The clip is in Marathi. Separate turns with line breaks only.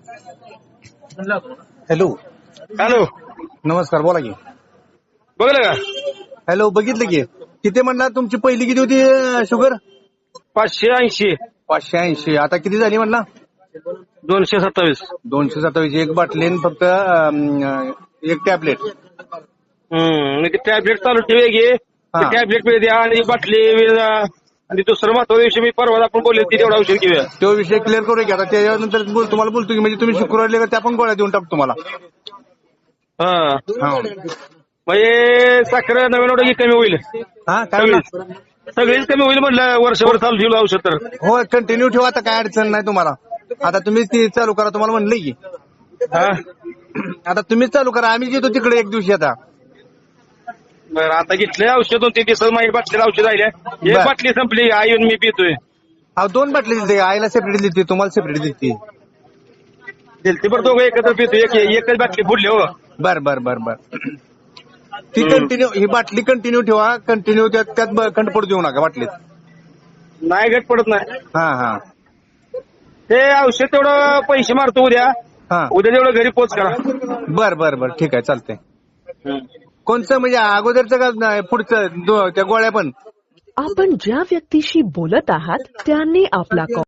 हॅलो,
हॅलो,
नमस्कार, बोला की.
बघलं का?
हॅलो, बघितलं की. किती म्हणला तुमची पहिली किती होती शुगर?
580,
580. आता किती झाली म्हणला?
227.
227. एक बाटली आणि फक्त एक टॅबलेट.
मी ते टॅबलेट चालू ठेवे घे.
हा.
ते टॅबलेट वेळ द्या आणि बाटली वेळ आणि दुसरं महत्वाचा विषय मी परवा आपण बोलले ती तेवढा औषध घेऊया.
तो विषय क्लिअर करू की आता त्याच्यानंतर तुम्हाला बोलतो की म्हणजे तुम्ही शुक्रवारी त्या पण गोळ्या देऊन टाकतो तुम्हाला.
हा,
हा.
म्हणजे साखर नवीन ऑर्डर कमी होईल.
हा, काय म्हणला?
सगळीच कमी होईल म्हटलं वर्षभर चालू ठेवलं औषध तर.
हो, कंटिन्यू ठेवा, आता काय अडचण नाही तुम्हाला. आता तुम्ही ती चालू करा, तुम्हाला म्हणलंय की.
हा,
आता तुम्हीच चालू करा, आम्ही येतो तिकडे एक दिवशी आता.
बरं आता घेतलंय औषध 2-3 दिवसात माझी बाटलीला औषध राहिल्या. एक
बर.
बाटली संपली, आई येऊन मी पितोय.
अहो, 2 बाटली दिली, आईला सेपरेट दिली, तुम्हाला सेपरेट दिली.
दिलती बरं दोघं एकत्र पितोय. एकच बाटली फुडली हो.
बर बर बर बर. ती कंटिन्यू, ही बाटली कंटिन्यू ठेवा, कंटिन्यू त्यात खंड पडू देऊ नका बाटलीत.
नाही गट पडत नाही.
हा हा
ते औषध तेवढं पैसे मारतो उद्या.
हा.
उद्या तेवढं घरी पोच करा.
बर बर बर, ठीक आहे, चालतंय. कोणचं म्हणजे अगोदरचं का नाही, पुढचं त्या गोळ्या पण?
आपण ज्या व्यक्तीशी बोलत आहात त्यांनी आपला कॉल